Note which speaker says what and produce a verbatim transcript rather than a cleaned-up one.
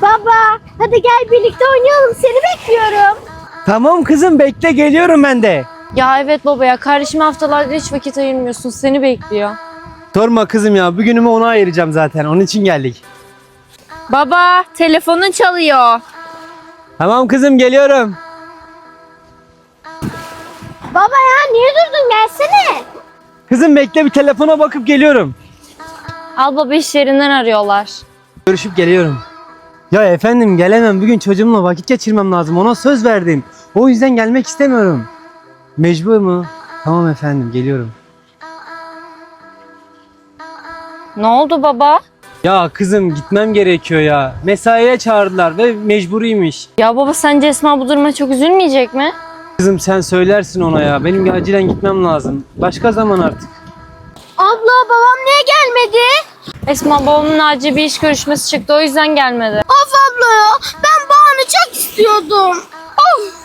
Speaker 1: Baba hadi gel birlikte oynayalım, seni bekliyorum.
Speaker 2: Tamam kızım, bekle, geliyorum ben de.
Speaker 3: Ya evet baba ya, kardeşime haftalardır hiç vakit ayırmıyorsun, seni bekliyor.
Speaker 2: Sorma kızım ya, bugünümü ona ayıracağım zaten, onun için geldik.
Speaker 3: Baba telefonun çalıyor.
Speaker 2: Tamam kızım, geliyorum.
Speaker 1: Baba ya niye durdun, gelsene.
Speaker 2: Kızım bekle, bir telefona bakıp geliyorum.
Speaker 3: Al baba, iş yerinden arıyorlar.
Speaker 2: Görüşüp geliyorum. Ya efendim, gelemem, bugün çocuğumla vakit geçirmem lazım, ona söz verdim. O yüzden gelmek istemiyorum. Mecbur mu? Tamam efendim, geliyorum.
Speaker 3: Ne oldu baba?
Speaker 2: Ya kızım, gitmem gerekiyor ya. Mesaiye çağırdılar ve mecburiymiş.
Speaker 3: Ya baba, sence Esma bu duruma çok üzülmeyecek mi?
Speaker 2: Kızım sen söylersin ona ya. Benim acilen gitmem lazım. Başka zaman artık.
Speaker 1: Abla babam niye gelmedi?
Speaker 3: Esma babamın acil bir iş görüşmesi çıktı, o yüzden gelmedi.
Speaker 1: Of abla ya, ben Bahan'ı çok istiyordum. Of.